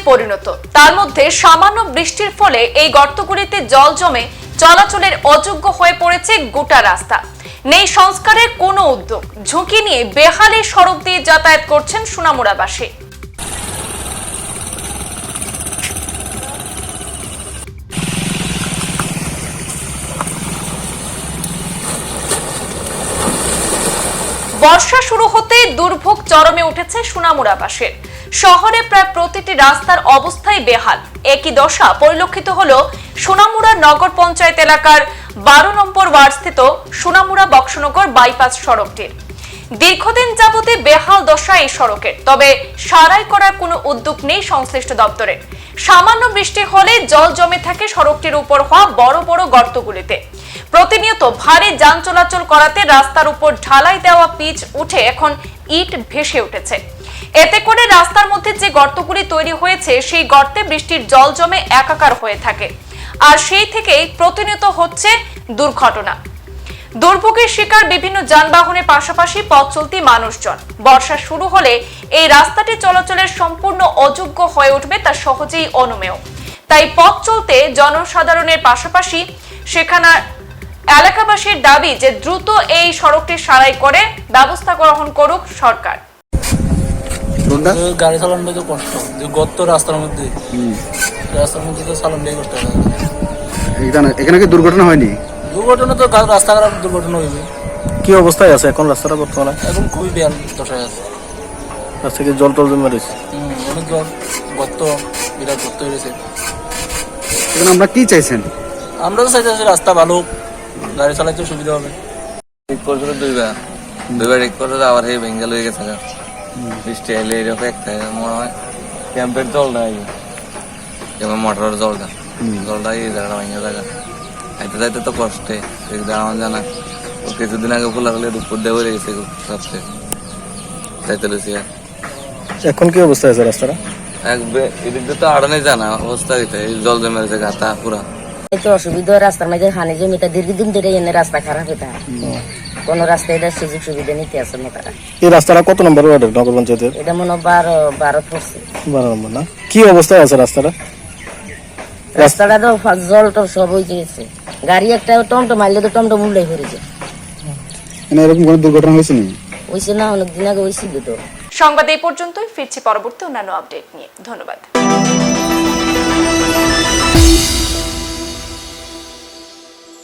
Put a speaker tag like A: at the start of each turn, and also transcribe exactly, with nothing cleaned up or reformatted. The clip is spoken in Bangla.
A: পরিণত। তার মধ্যে সামান্য বৃষ্টির ফলে এই গর্তগুলিতে জল জমে চলাচলের অযোগ্য হয়ে পড়েছে গোটা রাস্তা। নেই সংস্কারের কোনো উদ্যোগ, ঝুঁকি নিয়ে বেহালে সড়ক দিয়ে যাতায়াত করছেন সোনামুড়াবাসী। বর্ষা শুরু হতে দুর্ভোগ চরমে উঠেছে সোনামুড়াবাসীর। শহরে প্রায় প্রতিটি রাস্তার অবস্থাই বেহাল। একই দশা পরিলক্ষিত হলো সোনামুড়া নগর পঞ্চায়েত এলাকার বারো নম্বর ওয়ার্ডস্থিত সোনামুড়া বক্সনগর বাইপাস সড়কটির। দীর্ঘদিন যাবতে বেহাল দশা এই সড়কের, তবে সারাই করার কোনো উদ্যোগ নেই সংশ্লিষ্ট দপ্তরের। সামান্য বৃষ্টি হলে জল জমে থাকে সড়কটির উপর হওয়া বড় বড় গর্তগুলিতে। প্রতিনিয়ত ভারী যান চলাচল করাতে রাস্তার উপর ঢালাই দেওয়া পিচ উঠে এখন ইট ভেসে উঠেছে। এতে করে রাস্তার মধ্যে যে গর্তগুলি তৈরি হয়েছে সেই গর্তে বৃষ্টির জল জমে একাকার হয়ে থাকে, আর সেই থেকেই প্রতিনিয়ত হচ্ছে দুর্ঘটনা। দুর্ভোগের শিকার বিভিন্ন যানবাহনের পাশাপাশি পথ চলতি মানুষজন। বর্ষা শুরু হলে এই রাস্তাটি চলাচলের সম্পূর্ণ অযোগ্য হয়ে উঠবে তা সহজেই অনুমেয়। তাই পথ চলতে জনসাধারণের পাশাপাশি সেখানে এলাকাবাসীর দাবি যে দ্রুত এই সড়কটি সারাই করে ব্যবস্থা গ্রহণ করুক সরকার।
B: গাড়ি চালানো তো কষ্ট, গর্ত রাস্তার মধ্যে রাস্তার মধ্যে তো চালানো কষ্ট।
C: এখানে কি দুর্ঘটনা হয়নি?
B: দুর্ঘটনা তো রাস্তাঘাট দুর্ঘটনা হয়েছে।
C: কি অবস্থায় আছে এখন রাস্তাটা বর্তমানে?
B: এখন খুবই বেহাল দশায় আছে।
C: রাস্তা থেকে জল টল জমে রয়েছে,
B: অনেক জল, গর্ত, বিরাট গর্ত হয়েছে।
C: এখন আমরা কি চাইছেন?
B: আমরা তো চাইতেছি রাস্তা ভালো, গাড়ি চালাইতে সুবিধা হবে।
D: ঠিক করছিল দুইবার দুইবার ঠিক করে আবার এই বেঙ্গল হয়ে গেছে। বৃষ্টি এলে এরকম একটা মনে হয় ক্যাম্পের জল নাই, যেমন মোটরের জলটা জলটা এই জায়গাটা ভেঙে জায়গা খাইতে যাইতে তো কষ্টে আমার জানা। ও কিছুদিন আগে খোলা হলে উপর দিয়ে বেড়ে গেছে সবচেয়ে যাইতে লেছি।
C: এখন কি অবস্থা আছে রাস্তাটা?
D: এক এদিক দিয়ে তো আড়ানে জানা অবস্থা হইতে জল জমে রয়েছে গাতা পুরা।
E: এই তো অসুবিধা রাস্তার মাঝে হানি জমিটা দীর্ঘদিন ধরে এনে রাস্তা খারাপ হইতা কোন রাস্তায় এটা সুযোগ সুবিধা নিতে আসে না তারা।
C: এই রাস্তাটা কত নম্বর ওয়ার্ডের নগর পঞ্চায়েতের?
E: এটা মনে হয় বারো বারো পড়ছে।
C: বারো নম্বর না? কি অবস্থায় আছে রাস্তাটা?
E: রাস্তাটা তো জল টল সব হয়ে গেছে। গাড়ি একটা টমটম মারলে তো টমটম উল্টে পড়ে যায়।
C: এরকম কোনো দুর্ঘটনা হয়েছে না?
E: হয়েছে না, অনেকদিন আগে হয়েছিল তো।
A: সংবাদ এই পর্যন্তই, ফিরছি পরবর্তী অন্যান্য আপডেট নিয়ে। ধন্যবাদ।